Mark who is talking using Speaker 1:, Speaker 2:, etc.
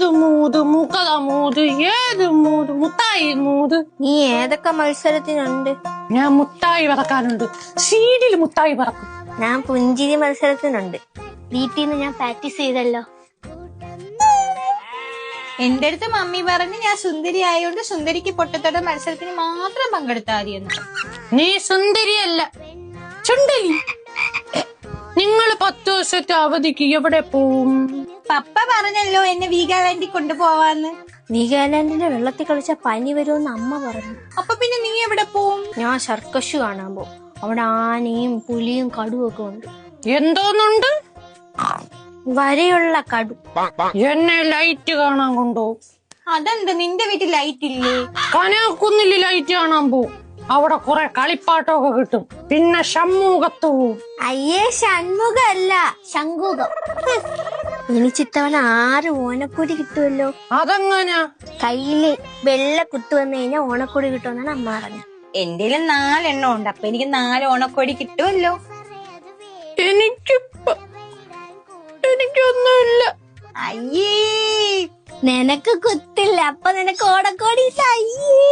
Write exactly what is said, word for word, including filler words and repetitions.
Speaker 1: ഏത് മൂത് മുക്കത മൂത് ഏത് മൂത് മുത്തായി മൂത്.
Speaker 2: നീ ഏതൊക്കെ മത്സരത്തിനുണ്ട്?
Speaker 1: ഞാൻ മുത്തായി പറക്കാനുണ്ട്. സീഡിൽ മുത്തായി പറക്കും.
Speaker 2: ഞാൻ പുഞ്ചിരി മത്സരത്തിനുണ്ട്. വീട്ടിൽ നിന്ന് ഞാൻ പ്രാക്ടീസ് ചെയ്തല്ലോ.
Speaker 3: എന്റെ അടുത്ത് മമ്മി പറഞ്ഞ് ഞാൻ സുന്ദരി ആയതുകൊണ്ട് സുന്ദരിക്ക് പൊട്ടത്തോടെ മത്സരത്തിന് മാത്രം പങ്കെടുത്താൽ മതിയെന്ന്.
Speaker 1: നീ സുന്ദരിയല്ല, ചുണ്ടലി. നിങ്ങൾ പത്ത് ദിവസത്തെ അവധിക്ക് എവിടെ പോവും?
Speaker 3: പപ്പ പറഞ്ഞല്ലോ എന്നെ വീഗാലാൻഡിൽ കൊണ്ടുപോവാന്ന്.
Speaker 2: വീഗാലാൻഡിലെ വെള്ളത്തിൽ കളിച്ച പനി വരുമെന്ന് അമ്മ പറഞ്ഞു.
Speaker 3: അപ്പൊ പിന്നെ നീ എവിടെ പോവും?
Speaker 2: ഞാൻ സർക്കസ് കാണാൻ പോവും. അവിടെ ആനയും പുലിയും കടുവും ഒക്കെ ഉണ്ട്.
Speaker 1: എന്തോന്നുണ്ട്?
Speaker 2: വരെയുള്ള കടു.
Speaker 1: എന്നെ ലൈറ്റ് കാണാൻ കൊണ്ടുപോകും.
Speaker 3: അതെന്താ നിന്റെ വീട്ടിൽ ലൈറ്റ് ഇല്ലേ?
Speaker 1: കനകുന്നില് ലൈറ്റ് കാണാൻ പോവും. അവിടെ കുറെ കളിപ്പാട്ടമൊക്കെ കിട്ടും. പിന്നെ ഷൺമുഖത്ത് പോവും.
Speaker 2: അയ്യേ, ഷൺമുഖല്ല, ശംഖുകം. എനിച്ചിത്തവണ ആറ് ഓണക്കൊടി കിട്ടുമല്ലോ.
Speaker 1: അതെങ്ങനാ?
Speaker 2: കയ്യില് വെള്ള കുത്തു വന്നു കഴിഞ്ഞാൽ ഓണക്കൊടി കിട്ടുമെന്നാണ് അമ്മ പറഞ്ഞത്.
Speaker 3: എന്റെ നാലെണ്ണം ഉണ്ട്, അപ്പൊ എനിക്ക് നാല് ഓണക്കൊടി കിട്ടുമല്ലോ.
Speaker 1: എനിക്കിപ്പ എനിക്കൊന്നുമില്ല.
Speaker 3: അയ്യേ,
Speaker 2: നിനക്ക് കുത്തില്ല, അപ്പൊ നിനക്ക് ഓണക്കോടി. അയ്യേ.